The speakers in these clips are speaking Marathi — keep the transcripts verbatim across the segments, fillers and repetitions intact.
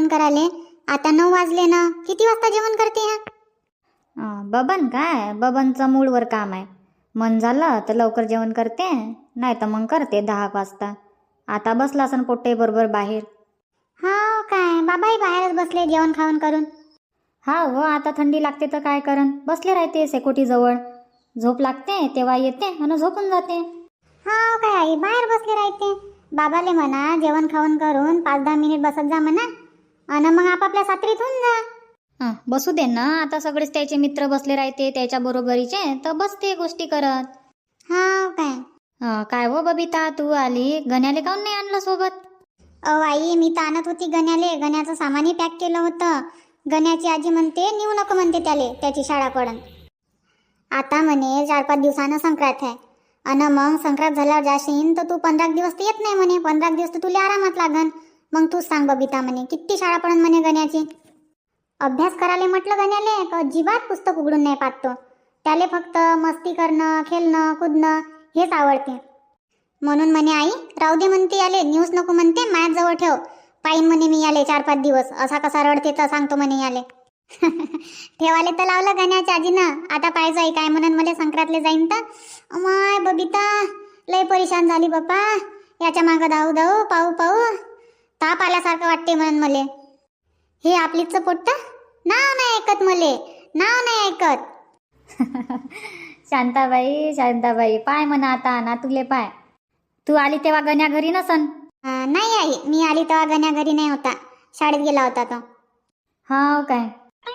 जेवण करायले. आता नऊ वाजले ना, किती वाजता जेवण करते ह्या? अं, बबन काय बबनचं मूडवर काम आहे. मन झालं तर लवकर जेवण करते, नाही तर मग करते दहा वाजता. आता बसला असन पोट्टे बरोबर बाहेर. हा काय बाबाही बाहेरच बसले जेवण खाऊन करून. हा हो, आता थंडी लागते तर काय करन, बसले राहते सेकोटी जवळ. झोप लागते तेव्हा येते आणि झोपून जाते. हा काय आई बाहेर बसले राहते. बाबाले म्हणा जेवण खाऊन करून पाच दहा मिनिट बसत जा म्हणा, आणि मग आपापल्या सात्रीत होऊन जा. हं, बसू दे ना, आता सगळेच त्याचे मित्र बसले राहते त्याच्या बरोबरीचे, तर बसते गोष्टी करत. हा काय हं, काय हो बबिता, तू आली, गण्याले काऊन नाही आणलं सोबत? अहो आई मी तर आणत होती गण्याले, गण्याचं सामानही पॅक केलं होतं. गण्याची आजी म्हणते नेऊ नको म्हणते त्याले, त्याची शाळा पडन. आता म्हणे चार पाच दिवसानं संक्रांत आहे, आणि मग संक्रांत झाल्यावर जाशीन तर तू पंधरा दिवस तर येत नाही म्हणे. पंधरा दिवस तर तुला आरामात लागन. मग तूच सांग बबिता म्हणे किती शाळा पडन म्हणे गण्याची. अभ्यास करायला म्हटलं गण्याले तर अजिबात पुस्तक उघडून नाही पाहतो. त्याले फक्त मस्ती करणं, खेळणं, कुदणं हेच आवडते. म्हणून म्हणे आई राहू दे म्हणते, याले न्यूज नको म्हणते, माझ्याजवळ ठेव, पाहिन म्हणे मी याले चार पाच दिवस असा कसा रडते तर सांगतो म्हणे याले. ठेवाले तर लावलं गण्याच्या आजीनं. आता पाहिजे आई काय म्हणून मला संक्रांतले जाईन तर. अमाय बबिता लय परेशान झाली बाप्पा, याच्या मागं धावू धावू पाहू पाहू ताप आल्यासारखं वाटते म्हणून मले. हे आपलीच पोट्ट नाव नाही ऐकत, मले नाव नाही ऐकत. शांताबाई शांताबाई पाय म्हणा आता ना, तुले पाय. तू आली तेव्हा गण्या घरी नसन? अं, नाही आई मी आली तेव्हा गण्या घरी नाही होता, शाळेत गेला होता तो. हा काय?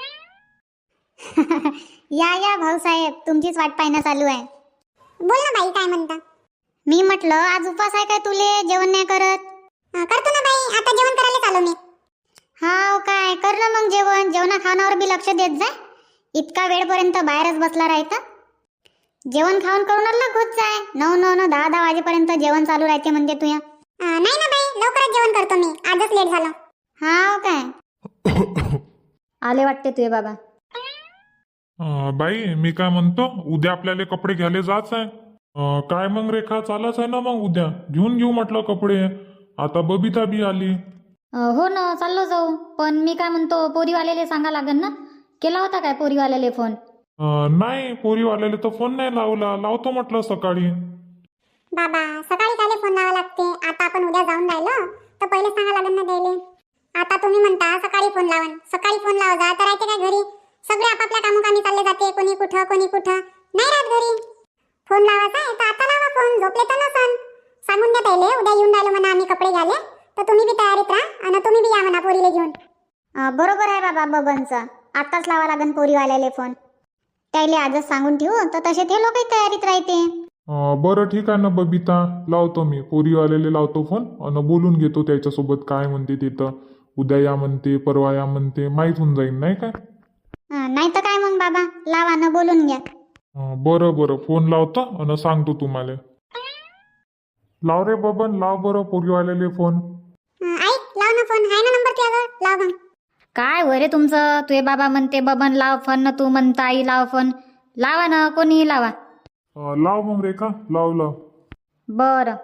या या भाऊसाहेब तुमचीच वाट पाहणं चालू आहे. बोल ना बाई काय म्हणता? मी म्हटलं आज उपास आहे काय तुले, जेवण नाही करत? करतो ना बाई, आता जेवण करायला चालू मी. हा काय कर ना मग जेवण, जेवणा खाण्यावर बी लक्ष देत जाय. इतका वेळपर्यंत बाहेरच बसला राहता. जेवण खाऊन करून अलग होत जाय. नऊ नऊ नऊ दहा दहा वाजेपर्यंत जेवण चालू राहते म्हणजे तुया. नाही ना बाई लवकरच जेवण करतो मी, आजच लेट झालं. हा काय आले वाटते तुझे बाबा. अं, बाई मी काय म्हणतो, उद्या आपल्याला कपडे घ्यायला जायचं आहे. अं, काय मग रेखा चालच आहे ना, मग उद्या घेऊन घेऊ म्हटलं कपडे. आता बबिता बी आली. अं, हो ना चाललो जाऊ, पण मी काय म्हणतो पोरीवाल्याले सांगा लागन ना. केला होता काय पोरीवाल्याले फोन? अं, नाही पोरीवाल्याला तर फोन नाही लावला, लावतो म्हटलं सकाळी. बाबा सकाळी काले फोन लावा लागते, आता आपण उद्या जाऊन राहिलो तर पहिले सांगा लागेल ना द्यायले. आता तुम्ही म्हणता सकाळी फोन लावन, सकाळी फोन लावा जा तर राहते काय घरी? सगळे आपापल्या कामकामी चालले जाते, कोणी कुठं कोणी कुठं, नाही राहत घरी. फोन लावायचा आहे तर आता लावा फोन, झोपले तर नसन. सांगून द्या पहिले उद्या येऊन राहिलो म्हणा आम्ही कपडे घ्याले, तर तुम्ही बी तयारीत राहा आणि तुम्ही बी या म्हणा पोरीले घेऊन. बरोबर आहे बाबा बबनचं, आताच लावा लागन पोरीवाल्याले फोन. त्याले आजच सांगून ठेवू तर तसे ते लोकही तयारीत राहते. अं, बरं ठीक आहे ना बबिता, लावतो मी पोरीवाल्याला लावतो फोन आणि बोलून घेतो त्याच्यासोबत काय म्हणते ते. तर उद्या या म्हणते, परवा या म्हणते, माहीत होऊन जाईन नाही काय. नाही तर काय मग बाबा लावा न बोलून घ्या. अं, बरं बरं फोन लावतो आणि सांगतो तुम्हाला. लाव रे बबन, लाव बरं पोरीवाल्याला फोन. आई लाव ना फोन, आहे ना नंबर त्यावर, लाव मग. काय वरे तुमचं, तुझे बाबा म्हणते बबन लाव फोन ना, तू म्हणता आई लाव फोन. लावा ना, कोणीही लावा. अं, लाव मग रेखा, लाव लाव. बरं.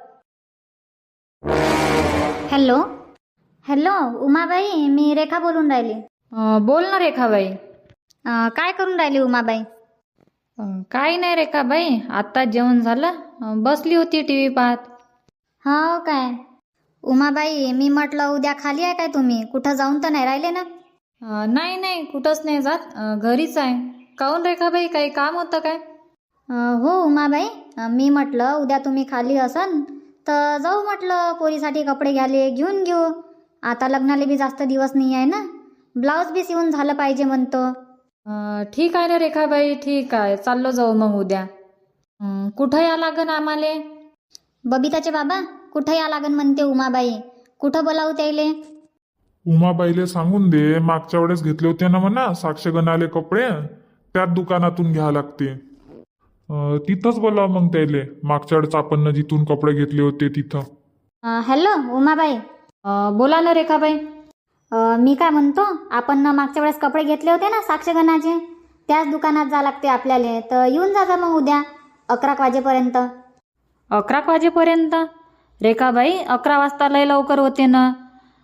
हॅलो हॅलो उमाबाई, मी रेखा बोलून राहिली. अं, बोल ना रेखाबाई. अं, काय करून राहिली उमाबाई? अं, काही नाही रेखाबाई, आता जेवण झालं, अं, बसली होती टी व्ही पाहत. हो काय? उमाबाई मी म्हटलं उद्या खाली आहे काय तुम्ही, कुठं जाऊन तर नाही राहिले ना? अं, नाही नाही कुठंच नाही जात, अं, घरीच आहे. काहून रेखाबाई, काही काम होतं काय? अं, हो उमाबाई, अं, मी म्हटलं उद्या तुम्ही खाली असन तर जाऊ म्हटलं पोरीसाठी कपडे घ्यायले, घेऊन घेऊ. आता लग्नाला बी जास्त दिवस नाही आहे ना, ब्लाऊज बी शिवून झालं पाहिजे म्हणतो. अं, ठीक आहे ना रेखाबाई, ठीक आहे, चाललो जाऊ मग उद्या. अं, कुठं या लागन आम्हाले? बबिताचे बाबा कुठं या लागन म्हणते उमाबाई, कुठं बोलावू त्याले? उमाबाईले सांगून दे, मागच्या वेळेस घेतले होते ना म्हणा साक्षगणाले कपडे, त्याच दुकानातून घ्या लागते. अं, तिथंच बोला मग त्याले, मागच्या वेळेस आपण जिथून कपडे घेतले होते तिथं. अं, हॅलो उमाबाई. अं, बोला ना रेखाबाई. अं, मी काय म्हणतो, आपण ना मागच्या वेळेस कपडे घेतले होते ना साक्षगणाचे, त्याच दुकानात जा लागते आपल्याला, तर येऊन जा मग उद्या अकरा वाजेपर्यंत. अकरा वाजेपर्यंत? रेखाबाई अकरा वाजता लय लवकर होते ना.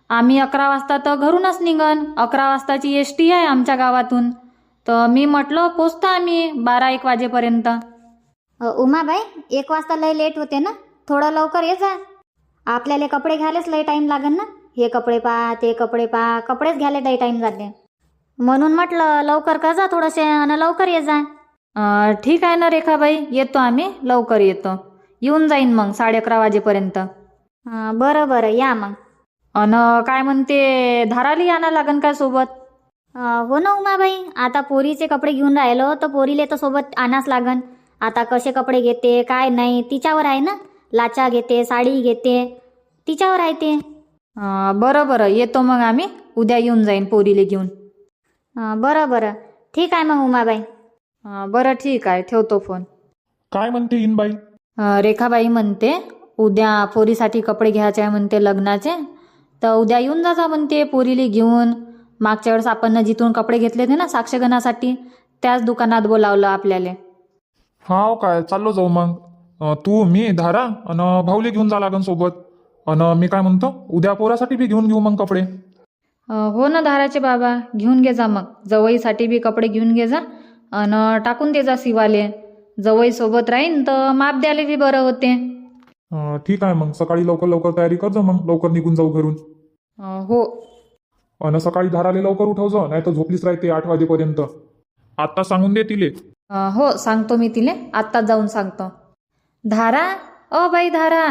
आम्ही अकरा वाजता तर घरूनच निघन. अकरा वाजताची एस टी आहे आमच्या गावातून. तर मी म्हटलं पोचतो आम्ही बारा एक वाजेपर्यंत. अ, उमाबाई एक वाजता लय लेट होते ना, थोडं लवकर ये जा. आपल्याला कपडे घ्यायलाच लय टाईम लागेल ना. हे कपडे पा ते कपडे पा कपडेच घ्यायला लय टाईम जाते. म्हणून म्हटलं लवकर कर जा थोडंसे आणि लवकर ये जा. अं, ठीक आहे ना रेखाबाई, येतो आम्ही, लवकर येतो. येऊन जाईन मग साडे अकरा वाजेपर्यंत. अ, बरं बरं या मग. अन काय म्हणते, धाराली आणा लागन काय सोबत? अ, हो ना उमाबाई, आता पोरीचे कपडे घेऊन राहिलो तर पोरीले तर सोबत आणाच लागन. आता कसे कपडे घेते काय नाही तिच्यावर आहे ना. लाचा घेते साडी घेते तिच्यावर आहे ते. अं, बरं बरं, येतो मग आम्ही. उद्या येऊन जाईन पोरीले घेऊन. अ, बरं बरं ठीक आहे मग उमाबाई. अं, बरं ठीक आहे, ठेवतो फोन. काय म्हणते इनबाई? अं, रेखाबाई म्हणते उद्या पोरीसाठी कपडे घ्यायचे आहे म्हणते लग्नाचे. तर उद्या येऊन जा म्हणते पोरीले घेऊन. मागच्या वेळेस आपण जिथून कपडे घेतले होते ना साक्षगणासाठी, त्याच दुकानात बोलावलं आपल्याला. हाव काय, चाललो जाऊ मग. अं, तू मी धारा अन भाऊले घेऊन जा लागन सोबत. अन मी काय म्हणतो, उद्या पोरासाठी बी घेऊन घेऊ मग कपडे. अं, हो ना धाराचे बाबा, घेऊन घे जा मग. जवईसाठी बी कपडे घेऊन घे जा आणि टाकून दे जा शिवाले. जवई सोबत राहीन तर माप द्यायला बी बरं होते. अं, ठीक आहे मग, सकाळी लवकर लवकर तयारी कर जा मग, लवकर निघून जाऊ घरून. अं, हो. अन सकाळी धाराले लवकर उठव जा, नाही तर झोपलीच राहते आठ वाजेपर्यंत. आता सांगून दे तिले. अं, हो सांगतो मी तिले, आत्ताच जाऊन सांगतो. धारा, ओ बाई धारा.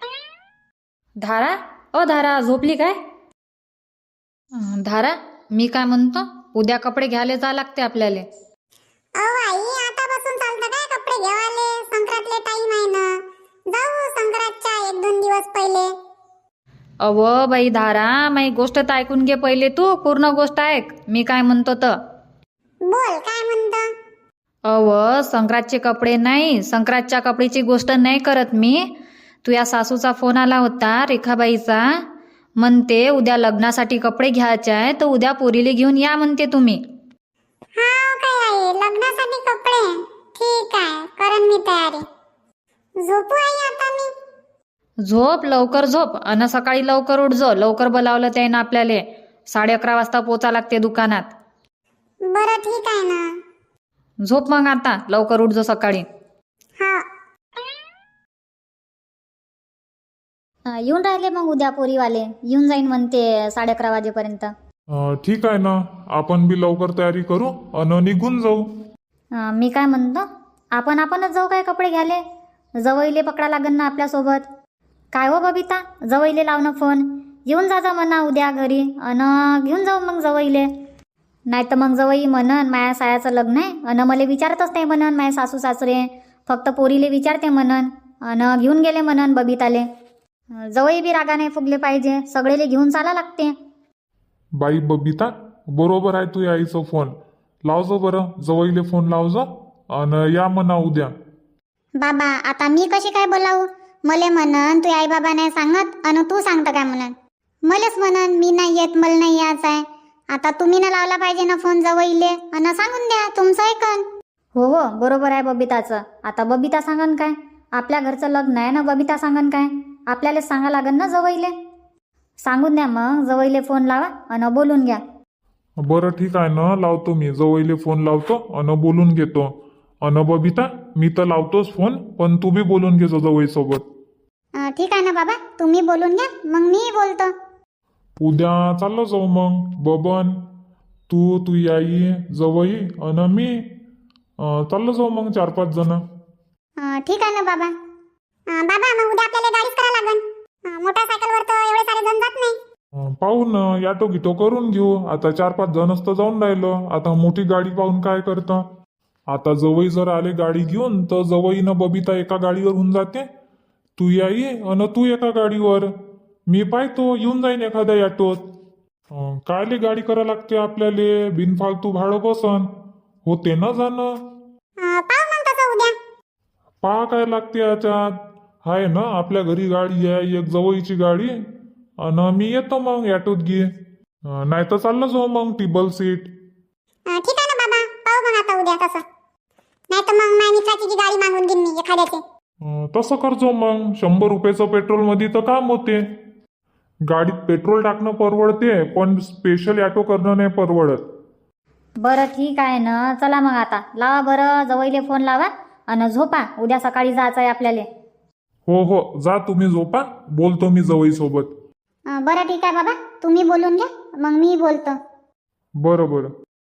धारा, ओ धारा, झोपली काय? अं, धारा, मी काय म्हणतो, उद्या कपडे घ्यायला जा लागते आपल्याला. अहो आई, आतापासून चालतं काय कपडे घेवाले? संक्रांतले टाइम आहे ना. जाऊ संक्रांतच्या एक दोन दिवस पहिले. अव बाई धारा, माझी गोष्ट तर ऐकून घे पहिले, तू पूर्ण गोष्ट ऐक. मी काय म्हणतो तर बोल, काय म्हणतो? अव संक्रांतचे कपडे नाही, संक्रांतच्या कपड्याची गोष्ट नाही करत मी. तुझ्या सासूचा फोन आला होता रेखाबाईचा. म्हणते उद्या लग्नासाठी कपडे घ्यायचे आहे तर उद्या पोरीले घेऊन या म्हणते तुम्ही. हाव काय आहे, लग्नासाठी कपडे? ठीक आहे, करन मी तयारी. झोपू आई आता मी? झोप, लवकर झोप अन सकाळी लवकर उठ जो. लवकर बोलावलं त्यानं आपल्याला. साडे अकरा वाजता पोचा लागते दुकानात. बरं ठीक आहे ना. झोप मग आता, लवकर उठ जो सकाळी. हा. अ, येऊन राहिले मग उद्या पोरीवाले. येऊन जाईन म्हणते साडे अकरा वाजेपर्यंत. अं, ठीक आहे ना, आपण बी लवकर तयारी करू अन निघून जाऊ. अ, मी काय म्हणतो, आपण आपणच जाऊ काय कपडे घ्याले? जवईले पकडा लागन ना आपल्यासोबत. काय हो बबिता, जवईले लावणं फोन. येऊन जा जा म्हणा उद्या घरी अन घेऊन जाऊ मग जवईले. नाही तर मग जवई म्हणन माया सायाचं लग्न आहे अन मला विचारतच नाही म्हणन माया सासू सासरे. फक्त पोरीले विचारते म्हणन अन घेऊन गेले म्हणन बबिताले. जवई बी रागा नाही फुगले पाहिजे, सगळेले घेऊन चाला लागते. बाई बबिता, बरोबर आहे तू आईचा फोन. लावजो बरं, जवळले फोन लावजो अन या म्हणा उद्या. बाबा, आता मी कशी काय बोलावू? मले म्हणन तू आई बाबा नाही सांगत अन तू सांगतं काय म्हणन? मलेच म्हणन मी नाही येत, मला नाही यायचं आहे. आता तुम्ही ना लावला पाहिजे ना फोन जवळले अन सांगून द्या, तुमचं ऐकन. हो हो बरोबर आहे बबिताचं. आता बबिता सांगन काय? आपल्या घरचं लग्न आहे ना, बबिता सांगन काय? आपल्याला सांगा लागन ना जवईले. सांगून द्या मग, जवईले फोन लावा अन बोलून घ्या. बरं ठीक आहे ना, लावतो मी. जवळले फोन लावतो अन बोलून घेतो. अन बबिता, मी तर लावतोच फोन, पण तू बी बोलून घे जवळ सोबत. अं, ठीक आहे ना बाबा, तुम्ही बोलून घ्या, मग मी बोलतो. उद्या चाललो जाऊ मग. बबन, तू तू आई जवई अन मी अं, चाललो जाऊ मग चार पाच जण. अं, ठीक आहे ना बाबा. अं, बाबा, मग उद्या आपल्याला गाडीच करा लागन. अं, मोटरसायकलवर तर एवढे सारे जण जात नाही. अं, पाहू ना, याटो गिटो करून घेऊ. आता चार पाच जणच तर जाऊन राहिलो. आता मोठी गाडी पाहून काय करतं. आता जवई जर आले गाडी घेऊन तर जवईनं बबिता एका गाडीवर होऊन जाते, तू आई अन तू एका गाडीवर. मी पाहतो येऊन जाईन एखाद्या ऑटोत. अं, कायले गाडी करा लागते आपल्याला, बिनफालतू भाडं बसन होते ना जाणं. अं, पाहू मग तसं उद्या. पहा काय लागते याच्यात. आहे ना आपल्या घरी गाडी आहे, एक जवळची गाडी. आणि मी येतो मग ऑटोत घे, नाही तर चाललं जाऊ मग टेबल सीट. अं, ठीक आहे ना बाबा, पाहू मग आता उद्या तसं. नाही तर मग माझ्या मित्राची जी गाडी मागून घेईन मी एखाद्याची. अं, तसं करजो मग. शंभर रुपयाचं पेट्रोल मध्ये तर काम होते. गाडीत पेट्रोल टाकणं परवडते, पण स्पेशल ऑटो करणं नाही परवडत. बरं ठीक आहे ना, चला मग आता लावा बरं जवळले फोन लावा आणि झोपा, उद्या सकाळी जायचं आहे आपल्याला. हो हो, जा तुम्ही झोपा, बोलतो मी जवई सोबत. अं, बरं ठीक आहे बाबा, तुम्ही बोलून घ्या, मग मी बोलतो. बरं बरं.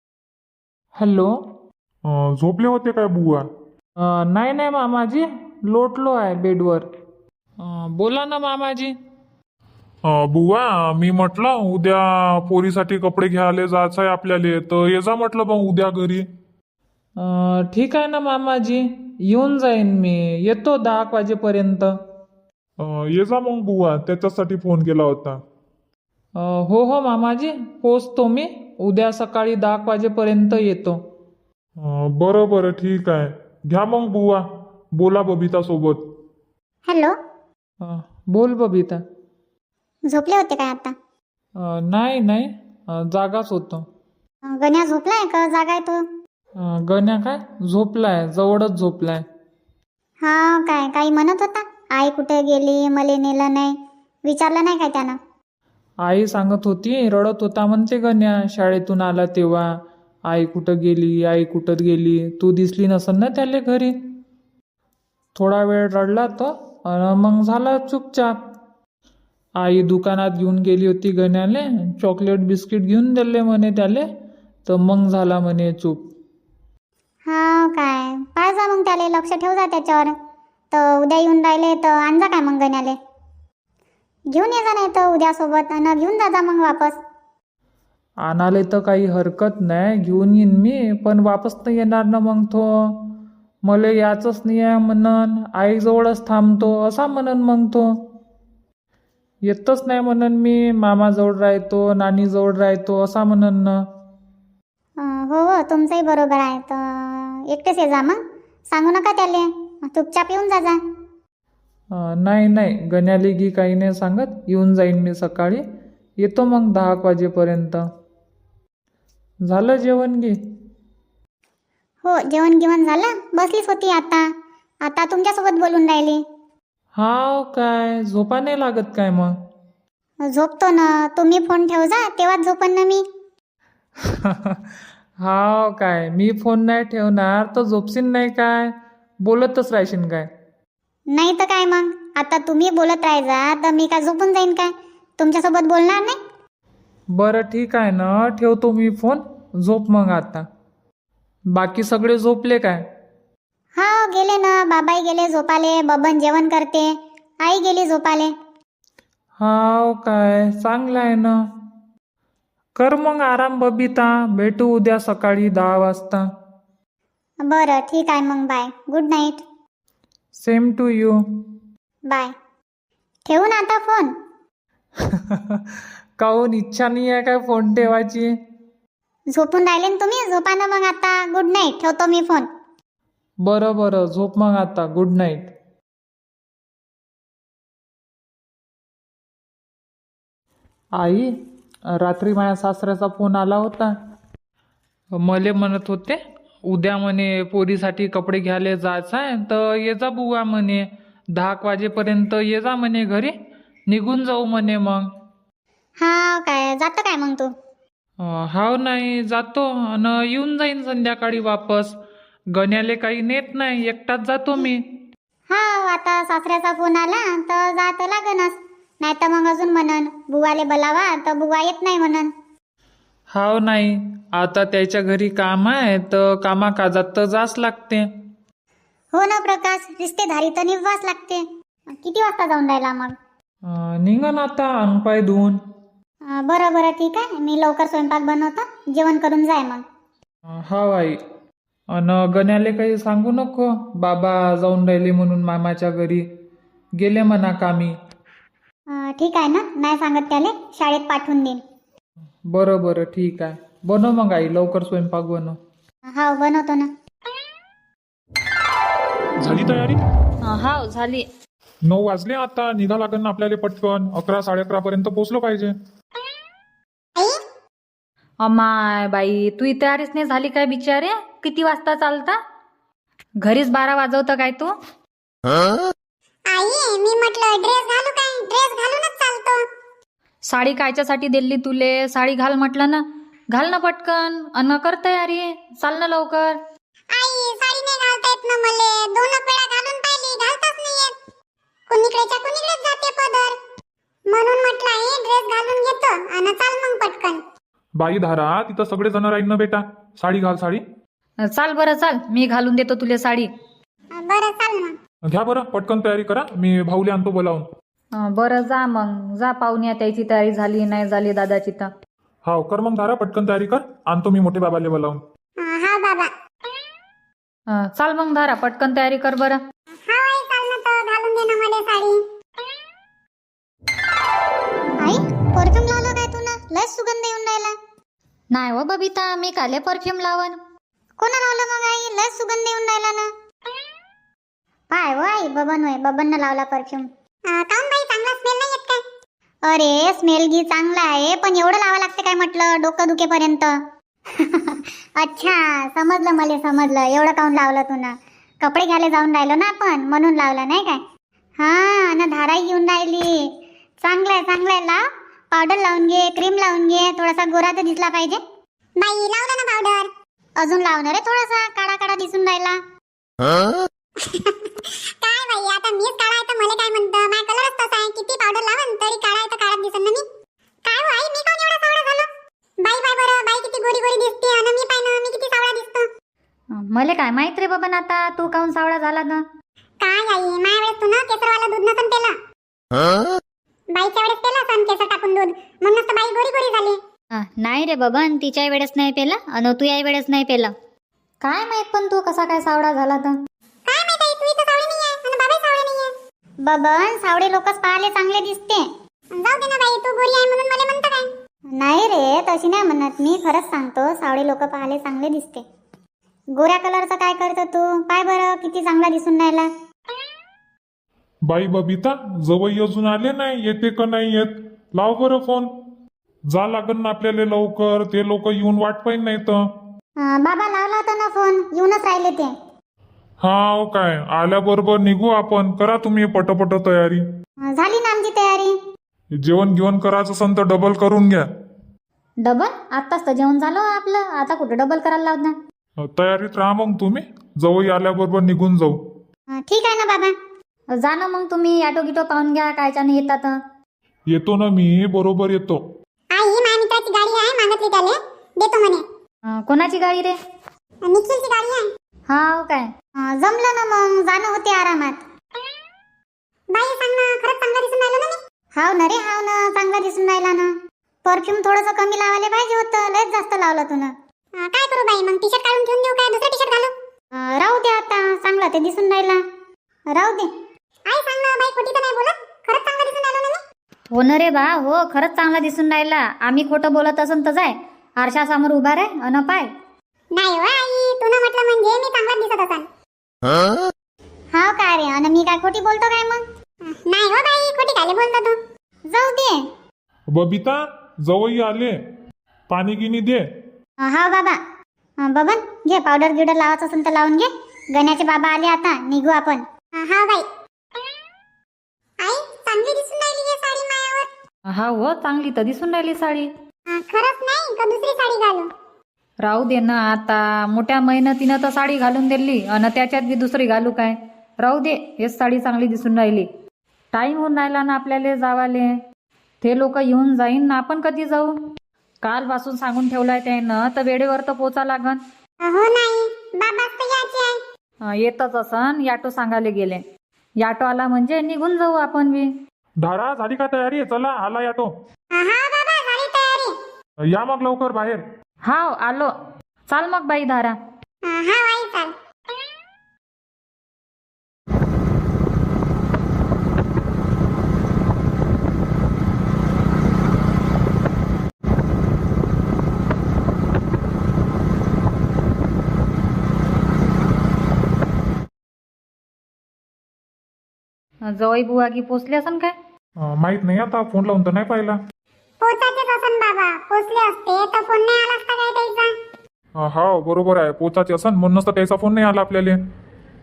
हॅलो. अं, झोपले होते काय बुवा? अं, नाही नाही मामाजी, लोटलो आहे बेडवर. अं, बोला ना मामाजी. अं, बुवा, मी म्हटलं उद्या पोरीसाठी कपडे घ्यायला जायचं आहे आपल्याला, तर ये जा म्हटलं मग उद्या घरी. अं, ठीक आहे ना मामाजी, येऊन जाईन मी, येतो दहा एक वाजेपर्यंत. अं, ये जा मग बुवा, त्याच्यासाठी फोन केला होता. अं, हो हो मामाजी, पोचतो मी, उद्या सकाळी दहा एक वाजेपर्यंत येतो. अं, बरं बरं ठीक आहे. घ्या मग बुवा, बोला बबिता सोबत. हॅलो, अं, बोल बबिता. झोपले होते काय आता? अं, नाही नाही, अं, जागाच होतो. अं, गण्या झोपलाय का जागा आहे तो? अं, गण्या काय झोपलाय, जवळच झोपलाय. हा काय काही म्हणत होता? आई कुठे गेली, मले नेलं नाही, विचारलं नाही काय त्यानं? आई सांगत होती, रडत होता म्हणते गण्या, शाळेतून आला तेव्हा आई कुठं गेली, आई कुठं गेली, तू दिसली नसन ना त्याले घरी. थोडा वेळ रडला तो आणि मग झाला चुपचाप. आई दुकानात घेऊन गेली होती गण्याले, चॉकलेट बिस्किट घेऊन दिले म्हणे त्याले, तर मग झाला म्हणे चूप. हा काय, पाय जा मग त्याले, लक्ष ठेव जा त्याच्यावर. तर उद्या येऊन राहिले तर आणजा काय मग गण्याले, घेऊन ये जा, नाही तर उद्या सोबत आणि घेऊन जा जा मग वापस. आणाले तर काही हरकत नाही, घेऊन येईन मी, पण वापस तर येणार ना मग तो. मला याचंच नाही आहे म्हणन, आईजवळच थांबतो असा म्हणन मग तो. येतच नाही म्हणन मी, मामाजवळ राहतो, नानीजवळ राहतो असा म्हणन ना. अं, हो हो, तुमचंही बरोबर आहे. तर एकटेच ये जा मग, सांगू नका त्याले, चुपचाप येऊन जा जा. अं, नाही नाही, गण्याली गी काही नाही सांगत, येऊन जाईन मी सकाळी, येतो मग दहा एक वाजेपर्यंत. झालं जेवण गी? हो, जेवण गिवण झालं, बसलीच होती आता. आता तुमच्यासोबत बोलून राहिली. हाव काय, झोपा नाही लागत काय मग? झोपतो ना, तुम्ही फोन ठेव जा, तेव्हाच झोपन ना मी. हाव काय, मी फोन नाही ठेवणार तर झोपशील नाही काय, बोलतच राहशील काय? नाही तर काय मग, आता तुम्ही बोलत राहायचा तर मी काय झोपून जाईन काय? तुमच्यासोबत बोलणार नाही? बरं ठीक आहे ना, ठेवतो मी फोन, झोप मग आता. बाकी सगळे झोपले काय? हा गेले ना, बाबाई गेले झोपाले, बबन जेवण करते, आई गेली झोपाले. हाव काय, चांगलं आहे ना. कर मग आराम बबिता, भेटू उद्या सकाळी दहा वाजता. बरं ठीक आहे मग, bye, good night. Same to you. Bye. ठेवू ना आता फोन? काहून इच्छा नाही आहे काय फोन ठेवायची? झोपून राहिले ना तुम्ही, झोपा ना मग आता. गुड नाईट, ठेवतो मी फोन. बरं बरं, झोप मग आता, गुड नाईट. आई, रात्री माझ्या सासऱ्याचा फोन आला होता. मले म्हणत होते उद्या म्हणे पोरीसाठी कपडे घ्यायला जायचं आहे, तर ये जा बुवा म्हणे, दहा एक वाजेपर्यंत ये जा म्हणे घरी, निघून जाऊ म्हणे मग. हा काय, जातं काय मग तू? अं, हाव नाही, जातो आणि येऊन जाईन संध्याकाळी वापस. गण्याले काही नेत नाही, एकटाच जातो मी. हा, आता सासऱ्याचा फोन आला तर जात लागनच, नाही तर मग अजून म्हणन बुवाले बोलावा, तर बुवा येत नाही म्हणन. हाव नाही, आता त्याच्या घरी काम आहे तर कामा काजात तर जास लागते. हो ना प्रकाश, रिश्तेदारी तर निभावाच लागते. किती वाजता जाऊन राहिला मग? अं, निघन आता अंग पाय धुवून. अं, बरं बरं ठीक आहे, मी लवकर स्वयंपाक बनवतो, जेवण करून जाय मग. अं, हाव आई. अन गण्याले काही सांगू नको, बाबा जाऊन राहिले म्हणून मामाच्या घरी, गेले म्हणा कामी. अं, ठीक आहे ना, नाही सांगत त्याले, शाळेत पाठवून देईन. बरं बरं ठीक आहे, बनव मग आई, लवकर स्वयंपाक बनव. हा बनवतो ना. झाली तयारी? हाव झाली. नऊ वाजले, आता निघा लागेल ना आपल्याला पटकन, अकरा साडे अकरा पर्यंत पोहोचलो पाहिजे. अमाय बाई, तू इथे तयारीच नाही झाली काय बिचारे? किती वाजता चालता? घरीच बारा वाजवतं काय तू? आई, मी म्हटलं ड्रेस घालू काय? ड्रेस घालूनच चालतो. साडी कायच्यासाठी दिली तुले? साडी घाल म्हटलं ना, घाल ना पटकन. अन कर तयारी, चाल ना लवकर. आई साडी नाही घालता येत ना मले. दोन वेळा घालून पाहिली, घालताच नाही येत. कुणीकडेच्या कुणीकडेच जाते पदर. म्हणून म्हटलं आहे ड्रेस घालून घेतो आणि चाल मग पटकन. बाई धारा, तिथं सगळे जण राहील ना बेटा. साडी घाल साडी. चाल बरं चाल, मी घालून देतो तुले साडी. बरं चाल मग. घ्या बरं पटकन तयारी करा, मी भाऊले आणतो बोलावून. अं, बरं जा मग, जा पाहुण्या त्याची तयारी झाली नाही झाली दादाची तर. हाव कर मग धारा, पटकन तयारी कर. आणतो मी मोठे बाबाले बोलावून. हा बाबा. अं, चाल मग धारा, पटकन तयारी कर बरं. हा आई चाल ना तर घालून दे ना मला साडी. आई परफ्यूम लावलं काय तू ना? लय सुगंध येऊन राहिला. नाही हो बबिता, मी काले परफ्यूम लावन. कोणा लावलं मग आई? लय सुगंध येऊन राहिला ना. पाय हो आई, बबन होय, बबन लावला परफ्यूम. काऊन बाई, चांगला स्मेल नाही येत काय? अरे स्मेल गी चांगला आहे, पण एवढं लावा लागते काय म्हटलं डोकं दुखेपर्यंत. अच्छा समजलं, मला समजलं. एवढं काऊन लावलं तू ना? कपडे घ्यायला जाऊन राहिलो ना आपण, म्हणून लावलं नाही काय? हा ना, धाराई घेऊन राहिली. चांगलंय चांगलंय, लाव. पावडर लावून घे, क्रीम लावून घे, थोडासा गोरा तर दिसला पाहिजे. बाई लावला ना पावडर. अजून लावणार आहे, थोडासा काळा काळा दिसून राहिला. काय बाई, आता मीच काळा आहे तर मला काय म्हणतं? माझा कलरच तसा आहे, किती पावडर लावन तरी काळा आहे तर काळाच दिसन ना मी. काय हो आई, मी कोण एवढा सावळा झालो? बाई बाई बरं, बाई किती गोरी गोरी दिसते आणि मी पाय ना, मी किती सावळा दिसतो. मले काय माहित रे बाबा आता तू काऊन सावळा झाला ना? काय आई, माझ्या वेळेस तू ना केसरवाला दूध नसन पेला. बाईच्या वेळेस पेला सन केसर टाकून दूध, म्हणूनच तर बाई गोरी गोरी झाली. हा, नाही रे बाबा, तिच्या वेळेस नाही पेला आणि तू या वेळेस नाही पेला. काय माहित पण तू कसा काय सावळा झाला तर? काय माहित आई, तू इथं सावळी नाही आहे आणि बाबा सावळे नाही आहे. बबन सावळे लोकच पाहायला चांगले दिसते. जाऊ दे ना बाई, तू गोरी आहे म्हणून मला म्हणतं काय? नाही रे, तशी नाही म्हणत मी. खरंच सांगतो, सावळे लोक पाहायला चांगले दिसते. गोऱ्या कलरचं काय करतो तू? पाय बरं किती चांगला दिसून राहिला. बाई बबिता, जवळ अजून आले नाही, येते का नाही येत? लाव बरं फोन. जा लागन ना आपल्याला लवकर, ते लोक येऊन वाट पाहिजे नाही तर. अं, बाबा लावला होता ना फोन, येऊनच राहिले ते. हा काय, आल्याबरोबर निघू आपण. करा तुम्ही पटपट तयारी. अं, झाली ना आमची तयारी. जेवण घेऊन करायचं असेल तर डबल करून घ्या. डबल? आत्ताच तर जेवण झालं आपलं, आता कुठं डबल करायला लावत ना? तयारीत राहा मग तुम्ही, जवळ आल्याबरोबर निघून जाऊ. अं, ठीक आहे ना बाबा. जा ना मग तुम्ही, ऑटो गिटो पाहून घ्या कायच्याने येतात. येतो ना मी, बरोबर येतो. आई माझ्या मित्राची गाडी आहे, मागितली त्याले, देतो म्हणे. अं, कोणाची गाडी रे? निखिलची गाडी आहे. हा काय? अं, जमलं ना मग, जाणं होते आरामात. बाई सांग ना, खरंच चांगला दिसून राहिलो ना मी? हाव ना रे, हाव ना, चांगला दिसून राहिला ना. परफ्यूम थोडंसं कमी लावायला पाहिजे होतं, लयच जास्त लावलं तू ना. काय करू बाई मग, टी शर्ट काढून ठेवून देऊ काय, दुसरा टी शर्ट घालू? अं, राहू दे आता, चांगला ते दिसून राहिला, राहू दे. आई सांग ना बाई, खोटी तर नाही बोलत, खरंच चांगला दिसून राहिलो ना मी? हो ना रे बा, हो खरंच चांगला दिसून राहिला. आम्ही खोटं बोलत असून तर जाय, आरशासमोर उभा रे अन पाय. नाही हो आई, तू ना म्हटलं म्हणजे मी चांगला दिसत असाल. हाव काय रे, अन मी काय खोटी बोलतो काय मग? नाही हो बाई, खोटी काय बोलतो तू? जाऊ दे. बबिता, जवळ आले, पाणी गिनी दे. हा बाबा. अं, बबन घे, पावडर गिवडर लावायचं असेल तर लावून घे. गण्याचे बाबा आले आता, निघू आपण. हा बाई. आई चांगली दिसून राहिली ही साडी मायावर. हा हो, चांगली तर दिसून राहिली साडी. अं, खरंच नाही का दुसरी साडी घालू? राहू दे ना आता, मोठ्या मेहनतीनं तर साडी घालून दिली आणि त्याच्यात बी दुसरी घालू काय? राहू दे, हेच साडी चांगली दिसून राहिली. टाईम होऊन राहिला ना आपल्याला जावाले. ते लोक येऊन जाईन ना, आपण कधी जाऊ? कालपासून सांगून ठेवलाय त्यानं, तर वेळेवर तर पोचा लागन. हो नाही, बाबा तर यायचे आहे. अं, येतच असन, याटो सांगायला गेले. याटो आला म्हणजे निघून जाऊ आपण बी. धारा, झाली का तयारी? चला, आला याटो. हा बाबा, झाली तयारी. या मग लवकर बाहेर. हाव आलो. चाल मग बाई धारा. हा आई चाल. जवळ बुवा की पोचले असन काय? अं, माहित नाही आता, फोन लावून तर नाही पाहिला. पोचायचेच असन बाबा, पोचले असते तर फोन नाही आला असता काय त्याचा? हा बरोबर आहे, पोचाचे असन म्हणूनच तर त्याचा फोन नाही आला आपल्याला.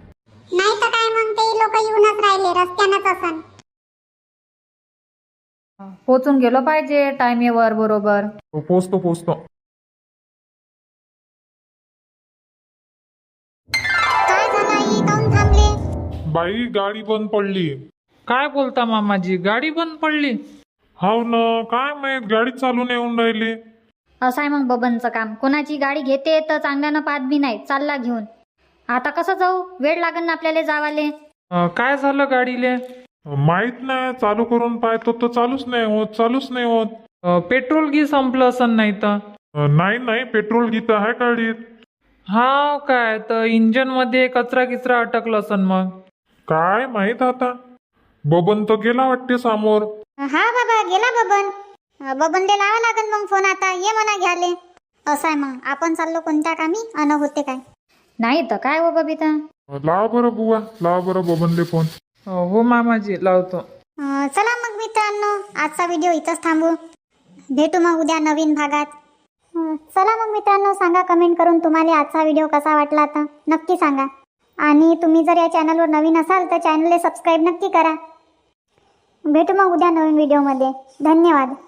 नाही तर काय मग, ते लोक येऊनच राहिले, रस्त्यानंच असन. पोचून गेलो पाहिजे टायमेवर बरोबर. पोचतो पोचतो. काय झालं आई, काऊन थांबले? बाई गाडी बंद पडली. काय बोलता मामाजी, गाडी बंद पडली? हाव ना, काय माहित गाडी चालून येऊन राहिली. असं आहे मग बबनचं काम. कोणाची गाडी घेते तर चांगल्यानं पाहत बी नाही, चालला घेऊन. आता कसं जाऊ, वेळ लागेल ना आपल्याला जावाले. अं, काय झालं गाडीले? माहित नाही, चालू करून पाहतो तर चालूच नाही होत, चालूच नाही होत. अं, पेट्रोल घी संपलं असन नाही तर. अं, नाही नाही, पेट्रोल गीत आहे गाडीत. हा काय तर इंजन मध्ये कचरा किचरा अटकलं असन मग. काय माहित आता. बबन तर गेला वाटते समोर. हा बाबा, गेला बबन. बबनले लावा लागेल मग फोन आता, ये म्हणा घ्याले. असं आहे मग, आपण चाललो कोणत्या कामी अन होते काय. नाही तर काय हो बबिता. लावा बरं बुवा, लावा बरं बबनले फोन. अं, हो मामाजी लावतो. अं, चला मग मित्रांनो, आजचा व्हिडिओ इथंच थांबू. भेटू मग उद्या नवीन भागात. अं, चला मग मित्रांनो, सांगा कमेंट करून तुम्हाला आजचा व्हिडिओ कसा वाटला तर नक्की सांगा. आणि तुम्ही जर या चॅनलवर नवीन असाल तर चॅनलला सबस्क्राईब नक्की करा. भेटू मग उद्या नवीन व्हिडिओमध्ये. धन्यवाद.